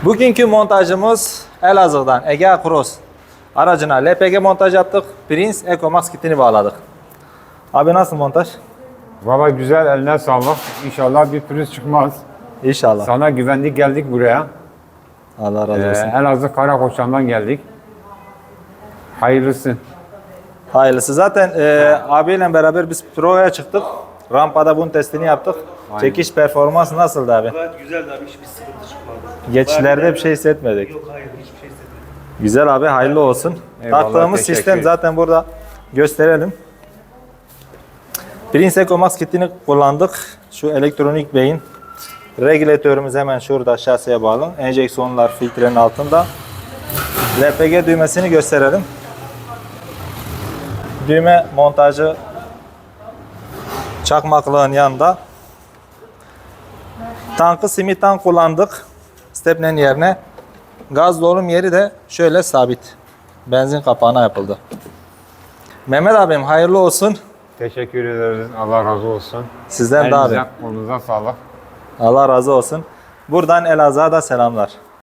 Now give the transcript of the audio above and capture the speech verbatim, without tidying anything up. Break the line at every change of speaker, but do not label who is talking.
Bugünkü montajımız Elazığ'dan Egea Cross aracına L P G montaj yaptık. Prince EcoMax kitini bağladık. Abi nasıl montaj?
Valla güzel, eline sağlık. İnşallah bir pürüz çıkmaz.
İnşallah.
Sana güvendik, geldik buraya.
Allah razı
Ee,
olsun.
Elazığ Karakoçan'dan geldik. Hayırlısı.
Hayırlısı. Zaten e, abiyle beraber biz provaya çıktık. Rampada bunun testini yaptık.
Aynen.
Çekiş performansı nasıldı abi?
Gayet güzeldi abi, hiçbir sıkıntı çıkmadı.
Geçişlerde bir şey hissetmedik.
Yok, hayır, hiçbir şey hissetmedim.
Güzel abi, hayırlı olsun.
Eyvallah,
Taktığımız
teşekkür
sistem
ederim.
zaten burada gösterelim. Prince EcoMax kitini kullandık. Şu elektronik beyin. Regülatörümüz hemen şurada şasiye bağlı. Enjeksiyonlar filtrenin altında. L P G düğmesini gösterelim. Düğme montajı çakmaklığın yanında. Tankı simit tank kullandık. Stepnenin yerine. Gaz dolum yeri de şöyle sabit. Benzin kapağına yapıldı. Mehmet abim hayırlı olsun.
Teşekkür ederiz. Allah razı olsun.
Sizden de abi.
Elinize, kolunuza sağlık.
Allah razı olsun. Buradan Elazığ'a da selamlar.